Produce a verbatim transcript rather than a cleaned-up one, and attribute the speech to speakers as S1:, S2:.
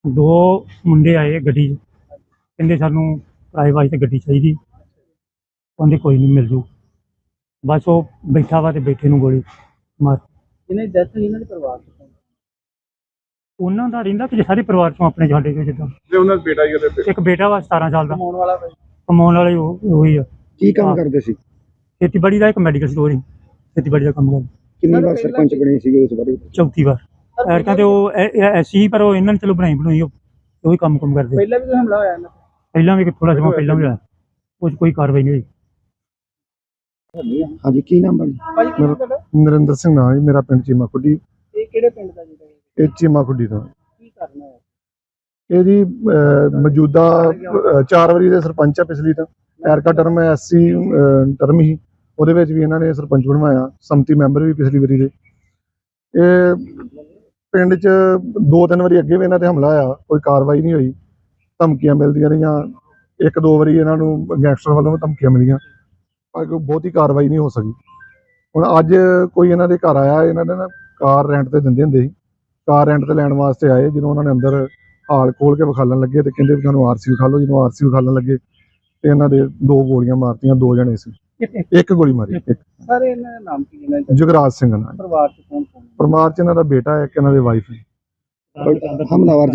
S1: ਦੋ ਮੁੰਡੇ ਆਏ ਗੱਡੀ 'ਚ, ਕਹਿੰਦੇ ਸਾਨੂੰ ਕਿਰਾਏ ਵਾਸਤੇ ਗੱਡੀ ਚਾਹੀਦੀ। ਕਹਿੰਦੇ ਕੋਈ ਨਹੀਂ ਮਿਲ ਜੂ। ਬਸ ਉਹ ਬੈਠਾ ਵਾ ਤੇ ਬੈਠੇ ਨੂੰ ਗੋਲੀ ਮਾਰ।
S2: ਜਿਹਨੇ ਡੈਥ ਹੋਈ ਉਹਨਾਂ ਦੇ ਪਰਿਵਾਰ ਚ
S1: ਉਹਨਾਂ ਦਾ ਰਹਿੰਦਾ ਕਿ ਸਾਰੇ ਪਰਿਵਾਰ ਚੋਂ ਆਪਣੇ ਸਾਡੇ ਚੋਂ ਜਿੱਦਾਂ
S3: ਤੇ ਉਹਨਾਂ ਦਾ ਬੇਟਾ ਹੀ ਉਹਦੇ
S1: ਇੱਕ ਬੇਟਾ ਵਾ ਸਤਾਰਾਂ ਸਾਲ ਦਾ,
S2: ਕਮਾਉਣ ਵਾਲਾ
S1: ਕਮਾਉਣ ਵਾਲੇ ਉਹ ਉਹੀ ਆ।
S4: ਕੀ ਕੰਮ
S1: ਹਾਂ।
S4: ਕਰਦੇ ਸੀ?
S1: ਖੇਤੀਬਾੜੀ ਦਾ ਇੱਕ ਮੈਡੀਕਲ ਸਟੋਰ ਹੀ, ਖੇਤੀਬਾੜੀ ਦਾ ਕੰਮ ਕਰਦਾ।
S4: ਕਿੰਨੀ ਵਾਰ ਸਰਪੰਚ ਬਣੇ ਸੀਗੇ ਉਸ ਬਾਰੇ?
S1: ਚੌਥੀ ਵਾਰ ਐਰਕਾਂ ਤੇ ਉਹ ਐਸੀ ਸੀ, ਪਰ ਉਹ ਇਹਨਾਂ ਨੇ ਚਲੋ ਬਣਾਈ ਬਣਾਈ ਉਹ ਉਹੀ ਕੰਮ ਕੰਮ ਕਰਦੇ।
S2: ਪਹਿਲਾਂ ਵੀ ਕੋਈ ਹਮਲਾ ਹੋਇਆ ਇਹਨਾਂ
S1: ਪਹਿਲਾਂ ਵੀ ਥੋੜਾ ਸਮਾਂ ਪਹਿਲਾਂ ਵੀ ਹੋਇਆ, ਉਹ 'ਚ ਕੋਈ ਕਾਰਵਾਈ ਨਹੀਂ ਹੋਈ।
S4: ਹਾਂਜੀ, ਕੀ ਨਾਮ ਹੈ?
S2: ਭਾਜੀ ਕੀ ਤੁਹਾਡਾ?
S3: ਨਰਿੰਦਰ ਸਿੰਘ ਨਾਂ ਜੀ ਮੇਰਾ, ਪਿੰਡ ਚੀਮਾ ਖੁੱਡੀ।
S2: ਇਹ ਕਿਹੜੇ ਪਿੰਡ ਦਾ ਜੀ?
S3: ਇਹ ਚੀਮਾ ਖੁੱਡੀ ਤੋਂ
S2: ਕੀ ਕਰਨਾ ਹੈ?
S3: ਇਹ ਜੀ ਅਹ, ਮੌਜੂਦਾ ਅਹ, ਚਾਰ ਵਾਰੀ ਦੇ ਸਰਪੰਚ ਆ। ਪਿਛਲੀ ਤਾਂ ਐਰਕਾ ਟਰਮ ਐਸਸੀ ਟਰਮ ਹੀ, ਉਹਦੇ ਵਿੱਚ ਵੀ ਇਹਨਾਂ ਨੇ ਸਰਪੰਚ ਬਣਵਾਇਆ। ਸੰਮਤੀ ਮੈਂਬਰ ਵੀ ਪਿਛਲੀ ਵਾਰੀ ਦੇ। ਇਹ ਪਿੰਡ 'ਚ ਦੋ ਤਿੰਨ ਵਾਰੀ ਅੱਗੇ ਵੀ ਇਹਨਾਂ ਤੇ ਹਮਲਾ ਹੋਇਆ, ਕੋਈ ਕਾਰਵਾਈ ਨਹੀਂ ਹੋਈ। ਧਮਕੀਆਂ ਮਿਲਦੀਆਂ ਰਹੀਆਂ, ਇੱਕ ਦੋ ਵਾਰੀ ਇਹਨਾਂ ਨੂੰ ਗੈਂਗਸਟਰ ਵੱਲੋਂ ਧਮਕੀਆਂ ਮਿਲੀਆਂ, ਪਰ ਕੋਈ ਬਹੁਤੀ ਕਾਰਵਾਈ ਨਹੀਂ ਹੋ ਸਕੀ। ਹੁਣ ਅੱਜ ਕੋਈ ਇਹਨਾਂ ਦੇ ਘਰ ਆਇਆ, ਇਹਨਾਂ ਨੇ ਨਾ ਕਾਰ ਰੈਂਟ ਤੇ ਦਿੰਦੇ ਹੁੰਦੇ ਸੀ, ਕਾਰ ਰੈਂਟ ਤੇ ਲੈਣ ਵਾਸਤੇ ਆਏ। ਜਦੋਂ ਉਹਨਾਂ ਨੇ ਅੰਦਰ ਹਾਲ ਖੋਲ ਕੇ ਵਿਖਾਲਣ ਲੱਗੇ ਤੇ ਕਹਿੰਦੇ ਵੀ ਸਾਨੂੰ ਆਰਸੀ ਵਿਖਾ ਲਓ। ਜਦੋਂ ਆਰਸੀ ਵਿਖਾਲਣ ਲੱਗੇ ਤੇ ਇਹਨਾਂ ਦੇ ਦੋ ਗੋਲੀਆਂ ਮਾਰਤੀਆਂ। ਦੋ ਜਣੇ ਸੀ, ਇੱਕ ਗੋਲੀ ਮਾਰੀ। ਇੱਕ
S2: ਸਰ ਇਹਨਾਂ ਦਾ ਨਾਮ ਕੀ ਇਹਨਾਂ ਦਾ?
S3: ਜੁਗਰਾਜ ਸਿੰਘ ਨਾਲ।
S2: ਪਰਿਵਾਰ ਚ ਕੌਣ ਕੌਣ?
S3: ਪਰਿਵਾਰ 'ਚ ਇਹਨਾਂ ਦਾ ਬੇਟਾ ਹੈ, ਇੱਕ ਇਹਨਾਂ ਦੇ ਵਾਈਫ ਹੈ।
S4: ਹਮਲਾਵਰ